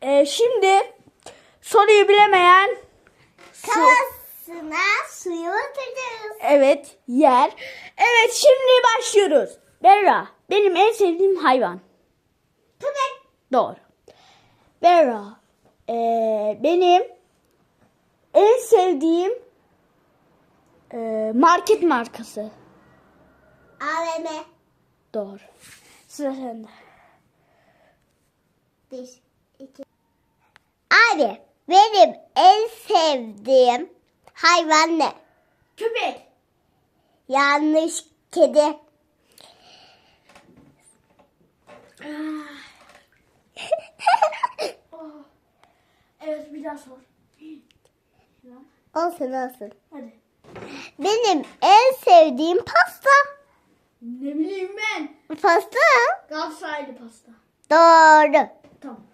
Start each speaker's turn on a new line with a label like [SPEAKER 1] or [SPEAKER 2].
[SPEAKER 1] Şimdi soruyu bilemeyen
[SPEAKER 2] Kafasına suyu atacağız.
[SPEAKER 1] evet yer. Evet şimdi başlıyoruz. Berra benim en sevdiğim hayvan.
[SPEAKER 2] Köpek.
[SPEAKER 1] Doğru. Berra benim en sevdiğim market markası.
[SPEAKER 2] AVM.
[SPEAKER 1] Doğru. Sıra sende.
[SPEAKER 2] 1, 2. Abi benim en sevdiğim hayvan ne?
[SPEAKER 1] Köpek.
[SPEAKER 2] Yanlış, kedi.
[SPEAKER 1] Evet bir daha sor.
[SPEAKER 2] Olsun.
[SPEAKER 1] Hadi.
[SPEAKER 2] Benim en sevdiğim pasta.
[SPEAKER 1] Ne bileyim ben.
[SPEAKER 2] Pasta.
[SPEAKER 1] Galatasaraylı pasta.
[SPEAKER 2] Doğru.
[SPEAKER 1] Tamam.